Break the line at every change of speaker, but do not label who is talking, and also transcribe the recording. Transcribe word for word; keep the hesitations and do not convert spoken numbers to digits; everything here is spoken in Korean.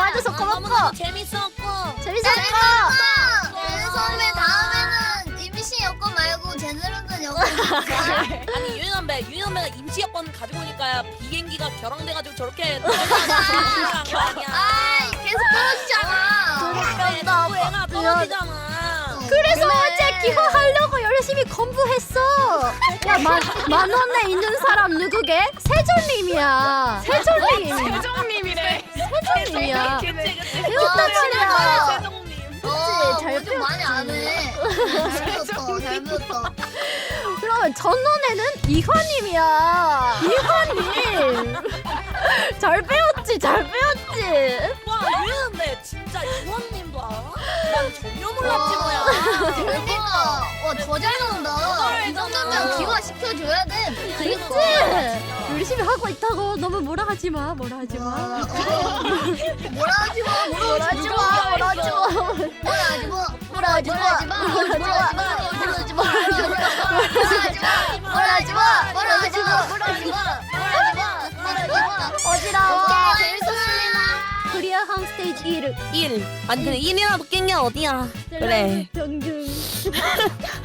와줘서 고맙고.
재밌었고.
재밌었고.
선배 다음에는 임시 여권 말고 제네로는 여권.
아니 유연배 유연배가 임시 여권 가지고 오니까 비행기가 결항돼가지고 저렇게 떨어지는 거 아니야.
아 계속 떨어지잖아.
그러니까
또 애가 떨어지잖아.
그래서
그래.
어제 기호하려고 열심히 공부했어. 야, 만, 만 원에 있는 사람 누구게? 세존님이야. 세존님.
세종님이래.
세존님이야.
그치 그치.
배웠다 치냐.
세종님.
어,
잘
뭐좀 많이 안 해. 잘 배웠다. 잘 배웠다.
그러면 전원에는 이화님이야. 이화님. 잘 배웠지, 잘 배웠지.
와 유연배 진짜 유원님도 알아? 난 전혀 몰랐지
와,
뭐야.
대박. 와, 더 잘 나온다. 이 정도면 기화 시켜줘야 돼.
그치? 열심히 하고 있다고 너무 뭐라 하지 마, 뭐라 하지 마.
와, 어. 뭐라 하지 마.
뭐라 하지 마, 뭐라 하지 마.
뭐라 하지 마. 뭐라 하지 마. 뭐라 하지 마. 뭐라 하지 마. 뭐라 하지 마. 뭐라 하지 마. 뭐라 하지 마. 뭐라 하지 마. 뭐라 하지 마. 뭐라 하지 마.
어지러워.
재밌었습니다.
코리아 한 스테이지 일.
일. 아니 근데 일이라도 깬 게 어디야. 그래.
병균.